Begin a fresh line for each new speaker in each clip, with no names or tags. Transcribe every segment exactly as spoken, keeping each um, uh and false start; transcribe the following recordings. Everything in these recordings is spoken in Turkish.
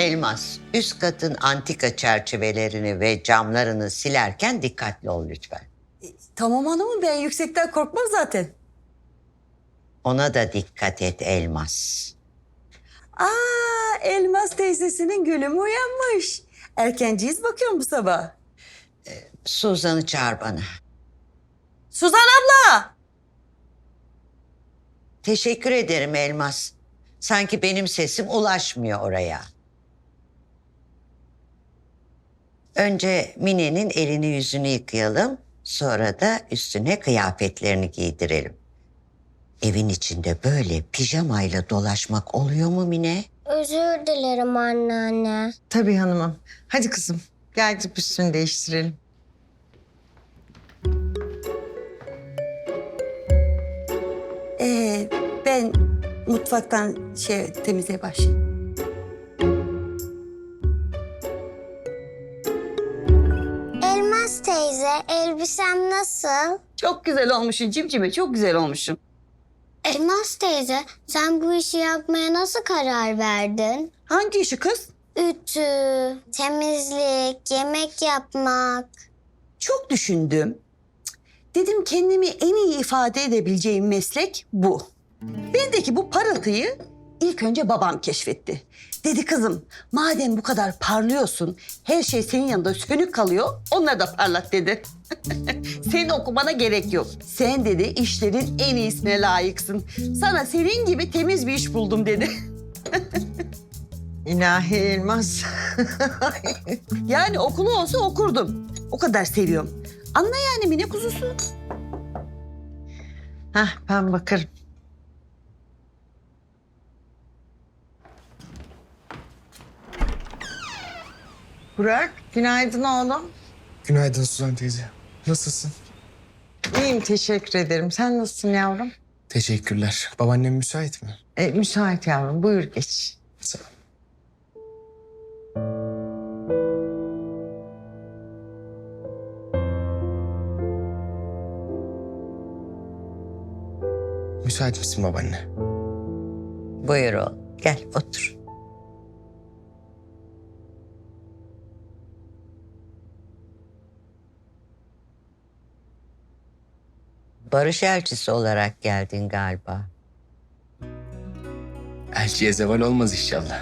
Elmas, üst katın antika çerçevelerini ve camlarını silerken dikkatli ol lütfen.
Tamam hanımım, ben yüksekten korkmam zaten.
Ona da dikkat et Elmas.
Aa, Elmas teyzesinin gülümü uyanmış. Erkenciyiz bakıyorum bu sabah.
Suzan'ı çağır bana.
Suzan abla!
Teşekkür ederim Elmas. Sanki benim sesim ulaşmıyor oraya. Önce Mine'nin elini yüzünü yıkayalım. Sonra da üstüne kıyafetlerini giydirelim. Evin içinde böyle pijamayla dolaşmak oluyor mu Mine?
Özür dilerim anneanne.
Tabii hanımım. Hadi kızım gel gidip üstünü değiştirelim.
Ee, ben mutfaktan şey temizliğe başlayayım.
Elmas teyze, elbisem nasıl?
Çok güzel olmuşsun cimcime, çok güzel olmuşsun.
Elmas teyze, sen bu işi yapmaya nasıl karar verdin?
Hangi işi kız?
Ütü, temizlik, yemek yapmak.
Çok düşündüm. Cık, Dedim kendimi en iyi ifade edebileceğim meslek bu. Bendeki bu parıltıyı ilk önce babam keşfetti. Dedi kızım, madem bu kadar parlıyorsun, her şey senin yanında sönük kalıyor, onları da parlat dedi. Senin okumana gerek yok. Sen dedi işlerin en iyisine layıksın. Sana senin gibi temiz bir iş buldum dedi.
İlahi Elmas.
Yani okulu olsa okurdum. O kadar seviyorum. Anla yani Mine kuzusu.
Hah ben bakarım. Burak, günaydın oğlum.
Günaydın Suzan teyze. Nasılsın?
İyiyim, teşekkür ederim. Sen nasılsın yavrum?
Teşekkürler. Babaannem müsait mi?
E, müsait yavrum, buyur geç.
Sağ ol. Müsait misin babaanne?
Buyur oğlum, gel otur. Barış elçisi olarak geldin galiba.
Elçiye zeval olmaz inşallah.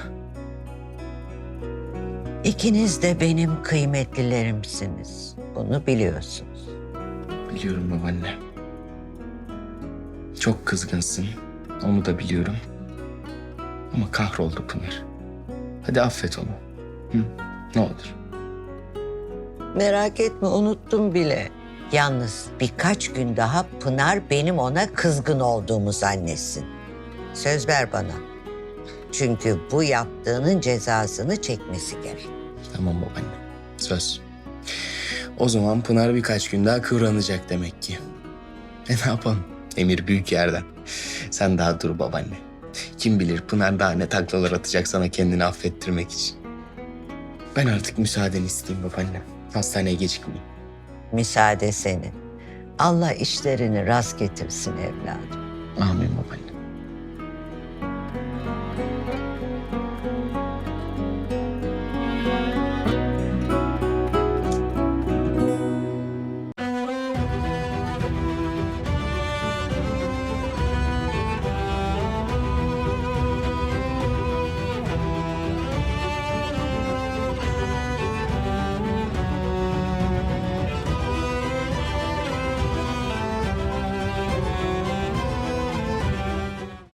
İkiniz de benim kıymetlilerimsiniz. Bunu biliyorsunuz.
Biliyorum babaanne. Çok kızgınsın. Onu da biliyorum. Ama kahroldu Pınar. Hadi affet onu. Hı? Ne olur.
Merak etme, unuttum bile. Yalnız birkaç gün daha Pınar benim ona kızgın olduğumu zannetsin. Söz ver bana. Çünkü bu yaptığının cezasını çekmesi gerek.
Tamam babaanne. Söz. O zaman Pınar birkaç gün daha kıvranacak demek ki. E ne yapalım? Emir büyük yerden. Sen daha dur babaanne. Kim bilir Pınar daha ne taklalar atacak sana kendini affettirmek için. Ben artık müsaadeni isteyeyim babaanne. Hastaneye gecikmeyeyim.
Müsaade senin. Allah işlerini rast getirsin evladım.
Amin babaanne.